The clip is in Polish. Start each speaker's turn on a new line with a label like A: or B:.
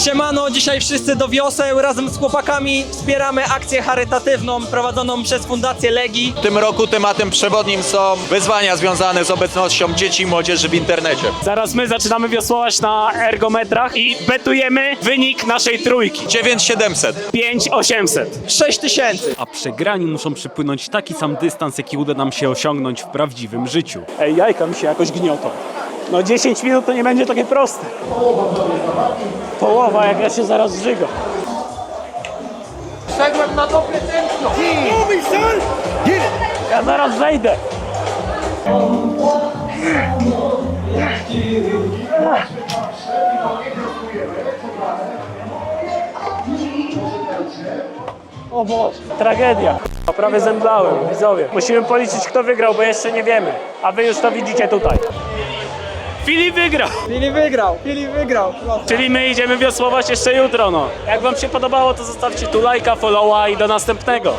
A: Siemano, dzisiaj wszyscy do wioseł. Razem z chłopakami wspieramy akcję charytatywną prowadzoną przez Fundację Legii.
B: W tym roku tematem przewodnim są wyzwania związane z obecnością dzieci i młodzieży w internecie.
C: Zaraz my zaczynamy wiosłować na ergometrach i betujemy wynik naszej trójki.
B: 9700.
C: 5800.
A: 6000.
D: A przegrani muszą przepłynąć taki sam dystans, jaki uda nam się osiągnąć w prawdziwym życiu.
C: Ej, jajka mi się jakoś gniotą. No 10 minut to nie będzie takie proste. Połowa, jak ja się zaraz zżyga.
A: Wszedłem na dobre tętno.
C: Ja zaraz zejdę. O Boże, tragedia. Prawie zemdlałem, widzowie. Musimy policzyć, kto wygrał, bo jeszcze nie wiemy. A wy już to widzicie tutaj. Filip wygrał!
A: Filip wygrał.
C: Czyli my idziemy wiosłować jeszcze jutro, no. Jak wam się podobało, to zostawcie tu lajka, followa i do następnego.